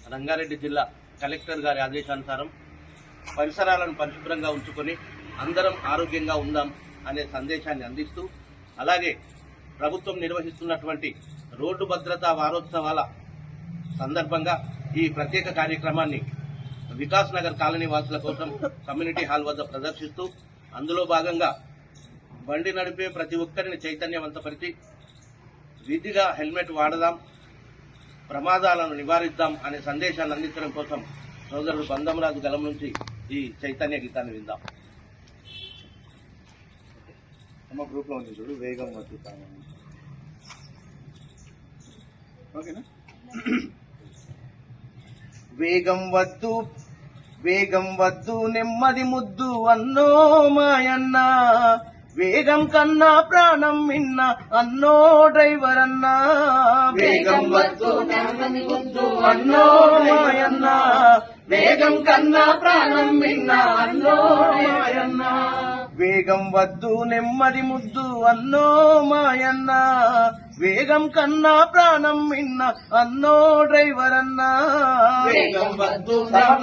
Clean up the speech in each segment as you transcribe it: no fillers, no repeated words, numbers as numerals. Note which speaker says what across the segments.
Speaker 1: రంగారెడ్డి జిల్లా కలెక్టర్ గారి ఆదేశానుసారం పరిసరాలను పరిశుభ్రంగా ఉంచుకొని అందరం ఆరోగ్యంగా ఉందాం అనే సందేశాన్ని అందిస్తూ, అలాగే ప్రభుత్వం నిర్వహిస్తున్నటువంటి రోడ్డు భద్రతా వారోత్సవాల సందర్భంగా ఈ ప్రత్యేక కార్యక్రమాన్ని వికాస్ నగర్ కాలనీ వాసుల కోసం కమ్యూనిటీ హాల్ వద్ద ప్రదర్శిస్తూ, అందులో భాగంగా బండి నడిపే ప్రతి ఒక్కరిని చైతన్యవంతపరిచి విధిగా హెల్మెట్ వాడదాం, ప్రమాదాలను నివారిద్దాం అనే సందేశాన్ని అందించడం కోసం సోదరుడు బంధంరాజు గలం నుంచి ఈ చైతన్య గీతాన్ని విందాం.
Speaker 2: గ్రూప్ లో ఉంది చూడు, వేగం వద్దు. ఓకేనా? వేగం వద్దు, వేగం వద్దు, నెమ్మది ముద్దు అన్నో మాయన్న, వేగం కన్నా ప్రాణం మిన్న అన్నో డ్రైవర్ అన్నా. వేగం వద్దు, నెమ్మది ముద్దు అన్నో మాయన్న, వేగం కన్నా ప్రాణం మిన్న అన్నో మాయన్న. వేగం వద్దు, నెమ్మది ముద్దు అన్నో మాయన్న, వేగం కన్నా ప్రాణం మిన్న అన్నో డ్రైవర్ అన్నా. వేగం వద్దు,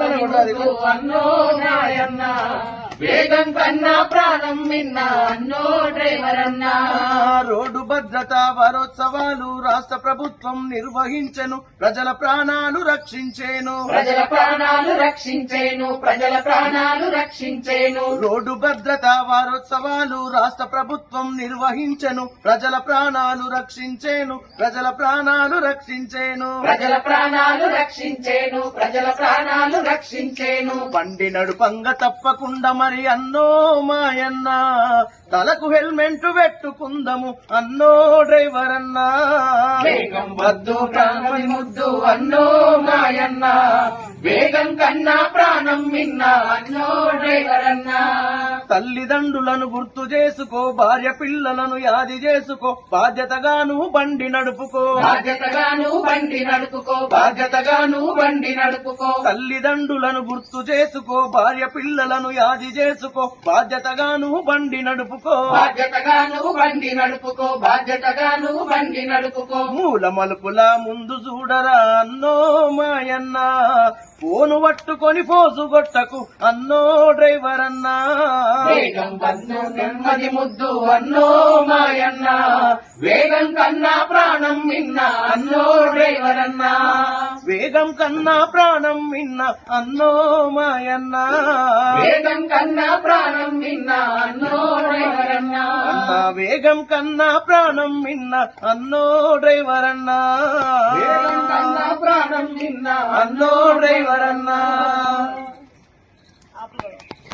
Speaker 2: అన్నో నాయన్న, వేగం కన్నా ప్రాణం మిన్న అన్నో డ్రైవర్ అన్నా. రోడ్డు భద్రతా వారోత్సవాలు రాష్ట్ర ప్రభుత్వం నిర్వహించెను, ప్రజల ప్రాణాలు రక్షించేను, ప్రజల ప్రాణాలు రక్షించేను, ప్రజల ప్రాణాలు రక్షించేను. రోడ్డు భద్రతా వారోత్సవాలు రాష్ట్ర ప్రభుత్వం నిర్వహించెను, ప్రజల ప్రాణాలు రక్షించేను, ప్రజల ప్రాణాలు రక్షించేను, ప్రజల ప్రాణాలు రక్షించేను, ప్రజల ప్రాణాలు రక్షించేను. బండి నడుపంగా తప్పకుండా మరి అన్నో మాయన్న, తలకు హెల్మెట్ పెట్టుకుందము అన్నో డ్రైవర్ అన్నా. వేగం వద్దు, ప్రాణం ముద్దు అన్నో మాయన్న, వేగం కన్నా ప్రాణం మిన్న అన్నో డ్రైవర్ అన్నా. తల్లిదండ్రులను గుర్తు చేసుకో, భార్య పిల్లలను యాది చేసుకో, బాధ్యతగాను బండి నడుపుకో, బాధ్యతగాను బండి నడుపుకో, బాధ్యతగాను బండి నడుపుకో. తల్లిదండ్రులను గుర్తు చేసుకో, భార్య పిల్లలను యాది చేసుకో, బాధ్యతగాను బండి నడుపుకో, బాధ్యతగాను బండి నడుపుకో, బాధ్యతగాను బండి నడుపుకో. మూల మలుపుల ముందు చూడరా అన్నో మాయన్న, ఫోను పట్టుకొని ఫోసు కొట్టకు అన్నో డ్రైవర్ అన్నా. వేగం వద్దు, నెమ్మది ముద్దు అన్నో మాయన్న, వేగం కన్నా ప్రాణం మిన్న అన్నో డ్రైవర్ అన్నా. వేగం కన్నా ప్రాణం మిన్న అన్నో మాయన్న, వేగం కన్నా ప్రాణం మిన్న అన్నో డ్రైవర్ అన్నా. అన్నా వేగం కన్నా ప్రాణం మిన్న అన్నో డ్రైవర్ అన్నా, వేగం కన్నా ప్రాణం మిన్న అన్నో డ్రైవర్ అన్నా.